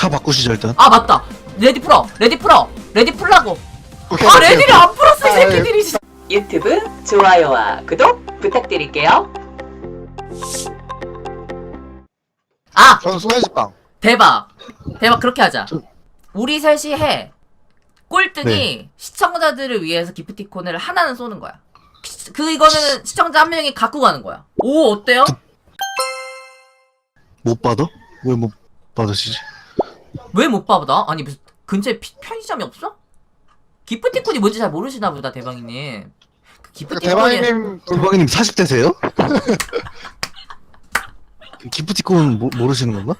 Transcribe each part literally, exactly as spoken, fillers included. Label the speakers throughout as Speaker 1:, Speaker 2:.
Speaker 1: 차 바꾸시죠 일단.
Speaker 2: 아 맞다. 레디 풀어. 레디 풀어. 레디 풀라고.
Speaker 3: 오케이,
Speaker 2: 아
Speaker 3: 오케이,
Speaker 2: 레디를
Speaker 3: 오케이.
Speaker 2: 안 풀었어 이
Speaker 3: 아,
Speaker 2: 새끼들이. 진짜.
Speaker 4: 유튜브 좋아요와 구독 부탁드릴게요.
Speaker 2: 아
Speaker 3: 저는 소세지빵.
Speaker 2: 대박. 대박 그렇게 하자.
Speaker 1: 저-
Speaker 2: 우리 셋이 해. 꼴등이
Speaker 1: 네.
Speaker 2: 시청자들을 위해서 기프티콘을 하나는 쏘는 거야. 그 이거는 시청자 한 명이 갖고 가는 거야. 오 어때요?
Speaker 1: 못 받아? 왜 못 받으시지?
Speaker 2: 왜 못 받아? 아니 무슨 근처에 피- 편의점이 없어? 기프티콘이 뭔지 잘 모르시나 보다 대방이님. 그 기프티콘이
Speaker 3: 대박이님
Speaker 1: 대박이님 사십 대세요? 기프티콘 모, 모르시는 건가?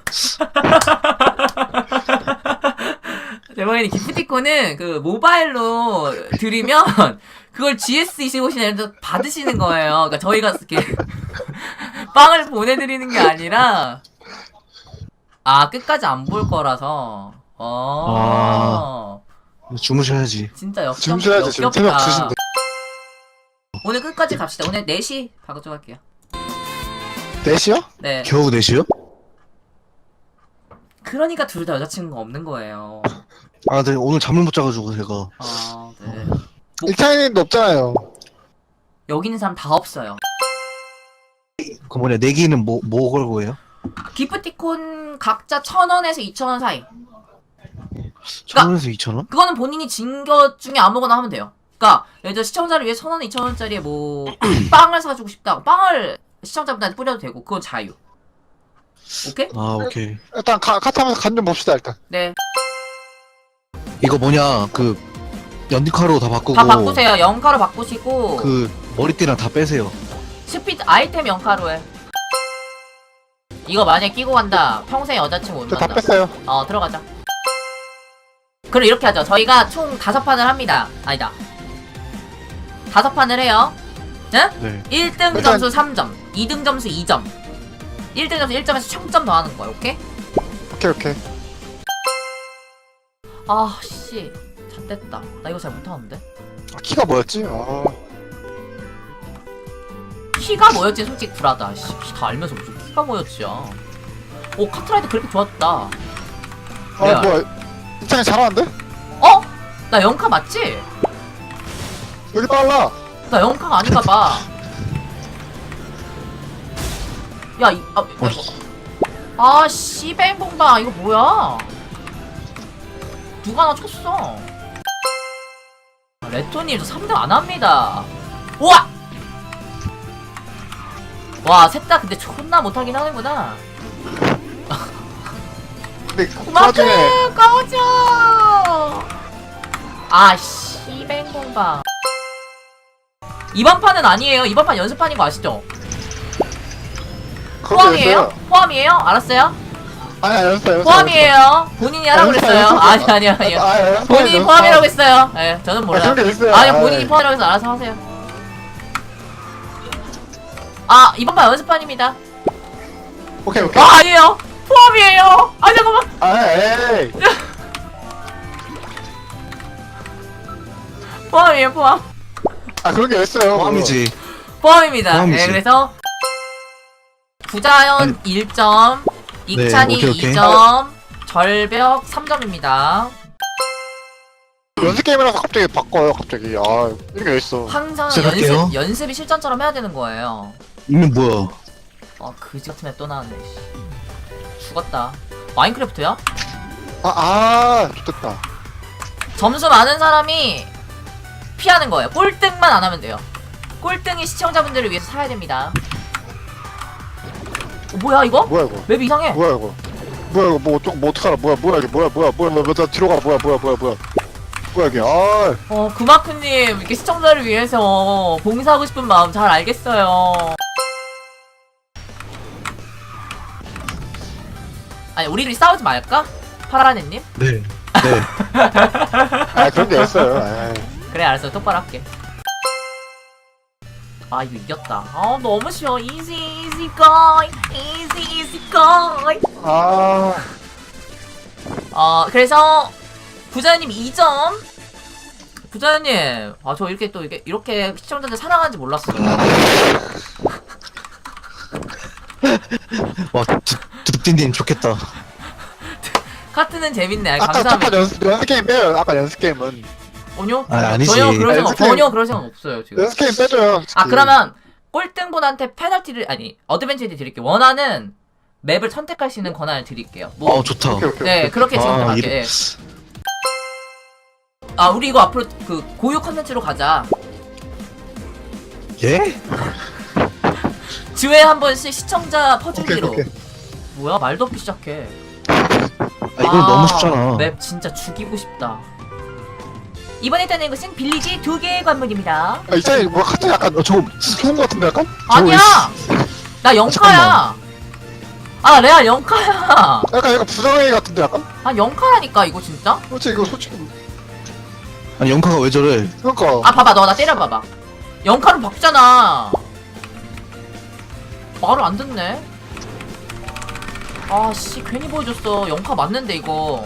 Speaker 2: 대박이님 기프티콘은 그 모바일로 드리면 그걸 지에스 이십오시나 이런 데 받으시는 거예요. 그러니까 저희가 이렇게 빵을 보내드리는 게 아니라 아 끝까지 안 볼 거라서. 어.
Speaker 1: 주무셔야지.
Speaker 2: 진짜 역
Speaker 3: 주무셔야지, 지금 새벽 두 시인데.
Speaker 2: 오늘 끝까지 갑시다. 오늘 네 시 바꿔줘 할게요.
Speaker 3: 넷이요?
Speaker 2: 네.
Speaker 1: 겨우 넷이요?
Speaker 2: 그러니까 둘 다 여자친구가 없는 거예요.
Speaker 1: 아, 네, 오늘 잠을 못 자가지고 제가.
Speaker 2: 아, 네.
Speaker 3: 일차이님도 없잖아요.
Speaker 2: 여기 있는 사람 다 없어요.
Speaker 1: 그 뭐냐, 내기는 뭐, 뭐 걸고 해요?
Speaker 2: 기프티콘 각자 천 원에서 이천 원 사이.
Speaker 1: 천 원에서 이천 원?
Speaker 2: 그거는 본인이 진 것 중에 아무거나 하면 돼요. 그러니까 예를 들어 시청자를 위해 천 원, 이천 원짜리에 뭐 빵을 사주고 싶다. 빵을 시청자분한테 뿌려도 되고 그건 자유. 오케이?
Speaker 1: 아, 오케이.
Speaker 3: 일단 가, 카타면서 간 좀 봅시다 일단.
Speaker 2: 네.
Speaker 1: 이거 뭐냐, 그, 연디카로 다 바꾸고.
Speaker 2: 다 바꾸세요. 영가로 바꾸시고
Speaker 1: 그, 머리띠랑 다 빼세요.
Speaker 2: 스피드 아이템 영가로 해. 이거 만약에 끼고 간다. 평생 여자친구 못
Speaker 3: 저 다
Speaker 2: 만나.
Speaker 3: 뺐어요.
Speaker 2: 어 들어가자. 그럼 이렇게 하죠. 저희가 총 다섯 판을 합니다. 아니다. 다섯 판을 해요. 응?
Speaker 1: 네.
Speaker 2: 일 등
Speaker 3: 일단-
Speaker 2: 점수 삼 점, 이 등 점수 이 점, 일 등 점수 일 점에서 총점 더하는 거야. 오케이?
Speaker 3: 오케이 오케이.
Speaker 2: 아 씨, 잣됐다. 나 이거 잘 못하는데.
Speaker 3: 아, 키가 뭐였지? 아,
Speaker 2: 키가 뭐였지? 솔직히 불하다. 씨, 키 다 알면서 무슨 키가 뭐였지야. 오 카트라이더 그래픽 좋았다.
Speaker 3: 아
Speaker 2: 네.
Speaker 3: 뭐야? 일차이 잘하는데?
Speaker 2: 어? 나 영카 맞지?
Speaker 3: 여기 빨라.
Speaker 2: 나 영카가 아닌가 봐. 야, 이, 아,
Speaker 1: 어,
Speaker 2: 아, 씨뱅봉바, 이거 뭐야? 누가 나 쳤어? 레토님, 저 삼 등 안 합니다. 우와! 와, 셋 다 근데 존나 못하긴 하는구나.
Speaker 3: 근데 그
Speaker 2: 마크,
Speaker 3: 와중에
Speaker 2: 꺼져! 아, 씨뱅봉바. 이번 판은 아니에요. 이번 판 연습판인 거 아시죠?
Speaker 3: 그렇게
Speaker 2: 포함이에요?
Speaker 3: 됐어요.
Speaker 2: 포함이에요? 알았어요?
Speaker 3: 아니 아니 연습 연습.
Speaker 2: 포함이에요. 본인이 하라고
Speaker 3: 연습,
Speaker 2: 그랬어요.
Speaker 3: 연습.
Speaker 2: 아니 아니 아니요.
Speaker 3: 아, 연습,
Speaker 2: 본인이
Speaker 3: 연습.
Speaker 2: 포함이라고 했어요. 예, 저는
Speaker 3: 아,
Speaker 2: 몰라요.
Speaker 3: 그런 게 있어요.
Speaker 2: 아니
Speaker 3: 아이.
Speaker 2: 본인이 포함이라고 해서 알아서 하세요. 아 이번 판 연습판입니다.
Speaker 3: 오케이 오케이.
Speaker 2: 아 아니에요. 포함이에요. 아 잠깐만.
Speaker 3: 아 에이.
Speaker 2: 포함이에요 포함.
Speaker 3: 아 그런 게 있어요.
Speaker 1: 포함이지.
Speaker 2: 포함입니다.
Speaker 1: 포함이지.
Speaker 2: 네 그래서 구자연
Speaker 1: 아니.
Speaker 2: 일 점, 이찬이
Speaker 1: 오케이, 오케이.
Speaker 2: 이 점, 절벽 삼 점입니다.
Speaker 3: 연습 게임이라서 갑자기 바꿔요. 갑자기 아 이런 게 있어.
Speaker 2: 항상
Speaker 1: 시작할게요.
Speaker 2: 연습 연습이 실전처럼 해야 되는 거예요.
Speaker 1: 이면 뭐야?
Speaker 2: 아 그지 같은 애 또 나왔네. 씨. 죽었다. 마인크래프트야?
Speaker 3: 아아 좋겠다.
Speaker 2: 점수 많은 사람이 피하는 거예요. 꼴등만 안 하면 돼요. 꼴등이 시청자분들을 위해서 사야 됩니다. 어, 뭐야 이거?
Speaker 3: 뭐야 이거?
Speaker 2: 맵이 이상해.
Speaker 3: 뭐야 이거? 뭐야 이거 뭐 어쩌 뭐 어떡하라? 뭐야 뭐야 이게 뭐야 뭐야 뭐야 뭐야 나 뒤로 가 뭐야 뭐야 뭐야 뭐야 뭐야 이게 아
Speaker 2: 어 구마크님 이렇게 시청자를 위해서 봉사하고 싶은 마음 잘 알겠어요. 아니 우리들이 싸우지 말까? 파라네님?
Speaker 1: 네. 네.
Speaker 3: 아 그런 게 있어요. 아이.
Speaker 2: 그래 알았어 똑바로 할게. 아 이거 이겼다. 아 너무 쉬워. easy easy guy easy easy guy.
Speaker 3: 아
Speaker 2: 어 그래서 부자님 이 점. 부자님 아 저 이렇게 또 이렇게 이렇게 시청자들 사랑하는지 몰랐어요.
Speaker 1: 와, 두둑딘딘 좋겠다.
Speaker 2: 카트는 재밌네. 아,
Speaker 3: 아까
Speaker 2: 감사합니다.
Speaker 3: 첫판 연습 연습 게임 빼요. 아까 연습 게임은
Speaker 2: 전혀?
Speaker 1: 아, 아니지.
Speaker 2: 전혀 그럴 생각,
Speaker 3: 연습
Speaker 2: 전혀
Speaker 3: 게임.
Speaker 2: 그럴 생각 없어요 지금.
Speaker 3: 연습 게임 빼줘요. 솔직히.
Speaker 2: 아 그러면 꼴등분한테 페널티를 아니 어드벤처를 드릴게요. 원하는 맵을 선택할 수 있는 권한을 드릴게요. 뭐
Speaker 1: 어 좋다.
Speaker 3: 오케이 오케이.
Speaker 2: 네
Speaker 3: 오케이.
Speaker 2: 그렇게
Speaker 1: 아,
Speaker 2: 진행할게.
Speaker 1: 이래-
Speaker 2: 예. 아 우리 이거 앞으로 그 고유 컨텐츠로 가자.
Speaker 1: 예?
Speaker 2: 주에 한 번씩 시청자
Speaker 3: 오케이
Speaker 2: 퍼주기로.
Speaker 3: 오케이.
Speaker 2: 뭐야 말도 없이 시작해.
Speaker 1: 아 이건 너무 쉽잖아.
Speaker 2: 맵 진짜 죽이고 싶다. 이번에 따는 것은 빌리지 두 개의 관문입니다.
Speaker 3: 아, 이찬이 뭐 카트 약간
Speaker 1: 어, 저거
Speaker 3: 좋은 거 같은데 약간?
Speaker 2: 아니야. 나 영카야. 아 레알 영카야.
Speaker 3: 약간 약간 부정행위 같은데 약간?
Speaker 2: 아 영카라니까 이거 진짜.
Speaker 3: 솔직히 이거 솔직히
Speaker 1: 아니 영카가 왜 저래?
Speaker 3: 그러니까
Speaker 2: 아 봐봐 너 나 때려봐봐. 영카로 바꾸잖아. 말을 안 듣네. 아씨 괜히 보여줬어. 영카 맞는데 이거.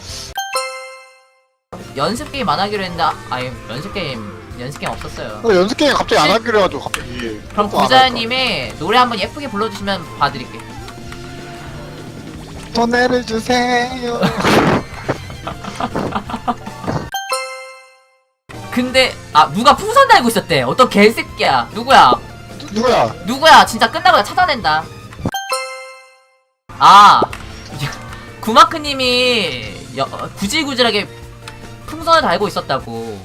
Speaker 2: 연습 게임 안 하기로 했는데 아, 아니 연습 게임 연습 게임 없었어요.
Speaker 3: 어, 연습 게임 갑자기 안 하기로 해가지고 갑자기
Speaker 2: 그럼
Speaker 3: 또 안
Speaker 2: 구자님이 노래 한번 예쁘게 불러주시면 봐드릴게.
Speaker 3: 할까? 더 내려주세요.
Speaker 2: 근데 아 누가 풍선 달고 있었대. 어떤 개새끼야. 누구야?
Speaker 3: 누구야?
Speaker 2: 누구야? 진짜 끝나고 찾아낸다. 아 구마크님이 여- 구질구질하게 풍선을 달고 있었다고.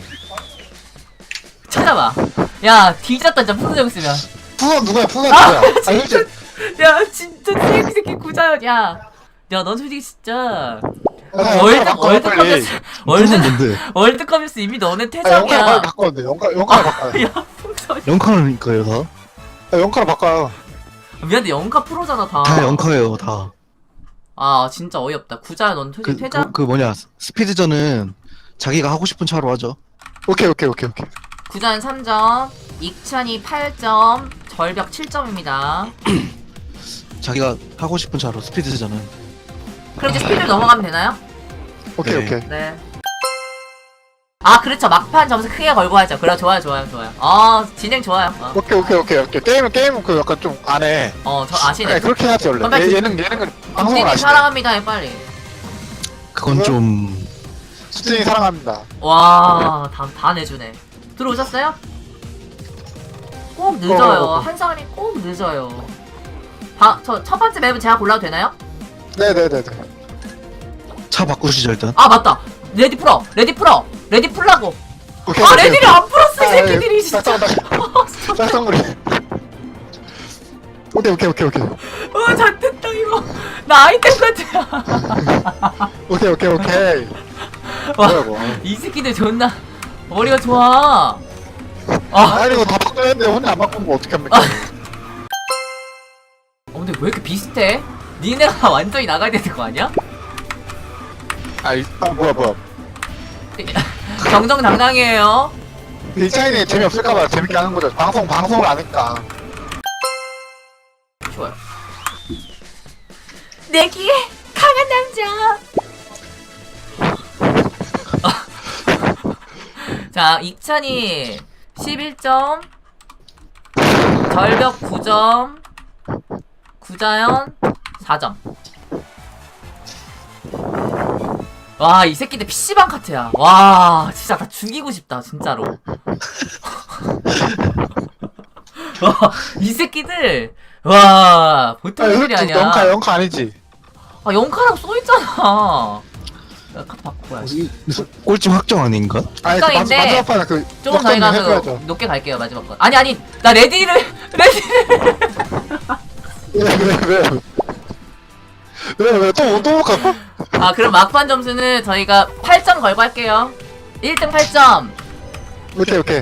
Speaker 2: 찾아봐. 야 뒤졌다 진짜 풍선 여기 있으면.
Speaker 3: 푸선 누구야? 푸선
Speaker 2: 아,
Speaker 3: 누구야? 아니
Speaker 2: 진짜.
Speaker 3: 솔직히
Speaker 2: 야 진짜 새끼 새끼 구자야. 야, 야 넌 솔직히 진짜
Speaker 3: 아,
Speaker 2: 월드
Speaker 3: 영화를 바꿔요, 빨리.
Speaker 2: 월드컵이었어. 월드
Speaker 1: 영카는 뭔데?
Speaker 2: 월드컵이었어. 이미 너네
Speaker 3: 아, 영카를
Speaker 2: 퇴장이야.
Speaker 3: 빨리 바꿔야 돼. 영카 영카를 바꿔요.
Speaker 2: 야 풍선.
Speaker 1: 영카는 거예요 다?
Speaker 3: 아, 영카를 바꿔요.
Speaker 2: 미안한데 영카 프로잖아 다.
Speaker 1: 다 영카예요 다.
Speaker 2: 아 진짜 어이없다. 구자야 넌 퇴,
Speaker 1: 그,
Speaker 2: 퇴장.
Speaker 1: 그, 그 뭐냐 스피드전은 자기가 하고 싶은 차로 하죠.
Speaker 3: 오케이 오케이 오케이 오케이.
Speaker 2: 구자는 삼 점, 익찬이 팔 점, 절벽 칠 점입니다.
Speaker 1: 자기가 하고 싶은 차로 스피드전은.
Speaker 2: 그럼 이제 스피드를 넘어가면 되나요?
Speaker 3: 오케이
Speaker 1: 네.
Speaker 3: 오케이.
Speaker 2: 네. 아 그렇죠. 막판 점수 크게 걸고 하죠. 그래 좋아요 좋아요 좋아요. 어 진행 좋아요. 어,
Speaker 3: 오케이 오케이 오케이 오케이. 게임은 게임은 그 약간 좀 안 해.
Speaker 2: 어, 저 아시네.
Speaker 3: 네, 그렇게 해야지 원래.
Speaker 2: 선배,
Speaker 3: 얘, 얘는 얘는 방송을
Speaker 2: 님
Speaker 3: 아시네.
Speaker 2: 사랑합니다 해 빨리.
Speaker 1: 그건
Speaker 3: 그거?
Speaker 1: 좀
Speaker 3: 수진이 사랑합니다.
Speaker 2: 와, 다, 다 내주네. 들어오셨어요? 꼭 늦어요.
Speaker 3: 어, 어, 어.
Speaker 2: 한 사람이 꼭 늦어요. 바, 저 첫 번째 맵은 제가 골라도 되나요?
Speaker 3: 네네네네.
Speaker 1: 차 바꾸시죠 일단.
Speaker 2: 아 맞다. 레디 풀어. 레디 풀어. 레디 풀라고.
Speaker 3: 오케이
Speaker 2: 아
Speaker 3: 오케이.
Speaker 2: 레디를 안 풀었어 이
Speaker 3: 아,
Speaker 2: 새끼들이
Speaker 3: 예.
Speaker 2: 진짜.
Speaker 3: 짝짝짝. 짝짝거리. 오케이 오케이 오케이 오케이.
Speaker 2: 어 잘됐다 이거. 나 아이템 같아.
Speaker 3: 오케이 오케이 오케이.
Speaker 2: 와,
Speaker 3: 뭐야 이거.
Speaker 2: 이 새끼들 존나 머리가 좋아. 아,
Speaker 3: 아니 이거 다 바꿔야는데 혼자 안 바꾸면 뭐 어떻게 합니까?
Speaker 2: 어, 근데 왜 이렇게 비슷해? 니네가 완전히 나가야 되는 거 아니야?
Speaker 3: 아, 이, 아 뭐야 뭐야.
Speaker 2: 정정당당해요.
Speaker 3: 이 차이는 재미없을까봐 재밌게 하는 거죠. 방송 방송을 아니까.
Speaker 2: 좋아요. 내기에 강한 남자. 자, 익찬이 십일 점, 절벽 구 점, 구자연 사 점. 와, 이 새끼들 피씨방 카트야. 와, 진짜 다 죽이고 싶다, 진짜로. 와, 이 새끼들. 와, 보통 애들이
Speaker 3: 아,
Speaker 2: 아니야.
Speaker 3: 영카 영카 아니지.
Speaker 2: 아, 영카라고 써있잖아. 야, 카트 바꾸고 야지.
Speaker 1: 무슨 꼴찌 확정 아닌가?
Speaker 3: 아니 그 마지-
Speaker 2: 영카인데
Speaker 3: 마지막 판에 그
Speaker 2: 조금 저희가 그
Speaker 3: 해줘야죠.
Speaker 2: 높게 갈게요, 마지막 건. 아니, 아니, 나 레디를, 레디를.
Speaker 3: 왜왜왜 왜왜또또 갈까?
Speaker 2: 아, 그럼 막판 점수는 저희가 팔 점 걸고 할게요. 일 등 팔 점.
Speaker 3: 오케이 오케이.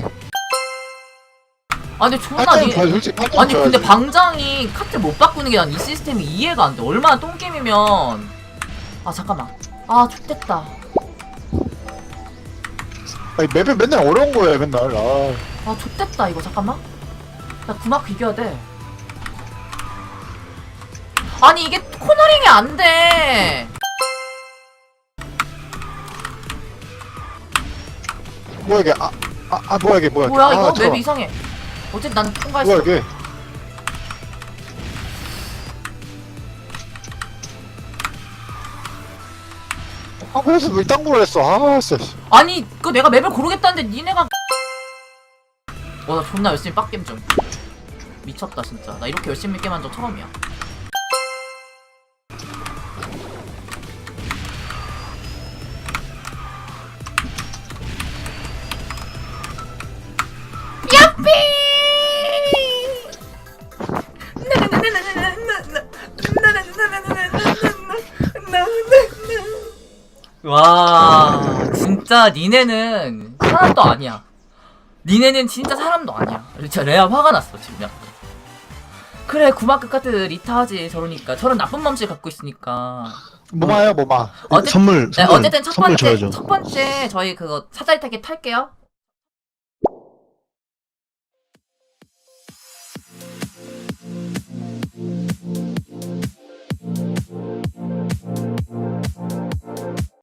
Speaker 2: 아니, 존나
Speaker 3: 팔 점
Speaker 2: 니.
Speaker 3: 줘야지 솔직히 팔 점
Speaker 2: 아니, 근데
Speaker 3: 줘야지.
Speaker 2: 방장이 카트 못 바꾸는 게 난 이 시스템이 이해가 안 돼. 얼마나 똥게임이면. 아, 잠깐만. 아, X됐다.
Speaker 3: 아니 맵이 맨날 어려운 거예요 맨날. 아.
Speaker 2: 아, X됐다, 이거. 잠깐만. 나 구막 비교해야 돼. 아니, 이게 코너링이 안 돼.
Speaker 3: 뭐야 이게 아 아 아 뭐야 이게 뭐야?
Speaker 2: 뭐야,
Speaker 3: 아,
Speaker 2: 이거?
Speaker 3: 잠깐만.
Speaker 2: 맵 이상해. 어쨌든 난 통과했어.
Speaker 3: 뭐야 이게? 아 그래서 왜 딴 걸 했어? 아 진짜.
Speaker 2: 아니 그 내가 맵을 고르겠다는데 니네가 와 나 존나 열심히 빡겜 중 미쳤다 진짜. 나 이렇게 열심히 게임한 적 처음이야. 야삐! 와 진짜 니네는 사람도 아니야. 니네는 진짜 사람도 아니야. 진짜 레아 화가 났어 지금. 그래 구마크 카드 리타하지 저러니까. 저런 나쁜 맘씨 갖고 있으니까.
Speaker 3: 뭐마요 뭐마.
Speaker 2: 어쨌-
Speaker 1: 선물
Speaker 2: 네,
Speaker 1: 선물
Speaker 2: 어쨌든 첫
Speaker 1: 선물
Speaker 2: 번째
Speaker 1: 줘야죠.
Speaker 2: 첫 번째 저희 그거 사다리 타기 탈게요.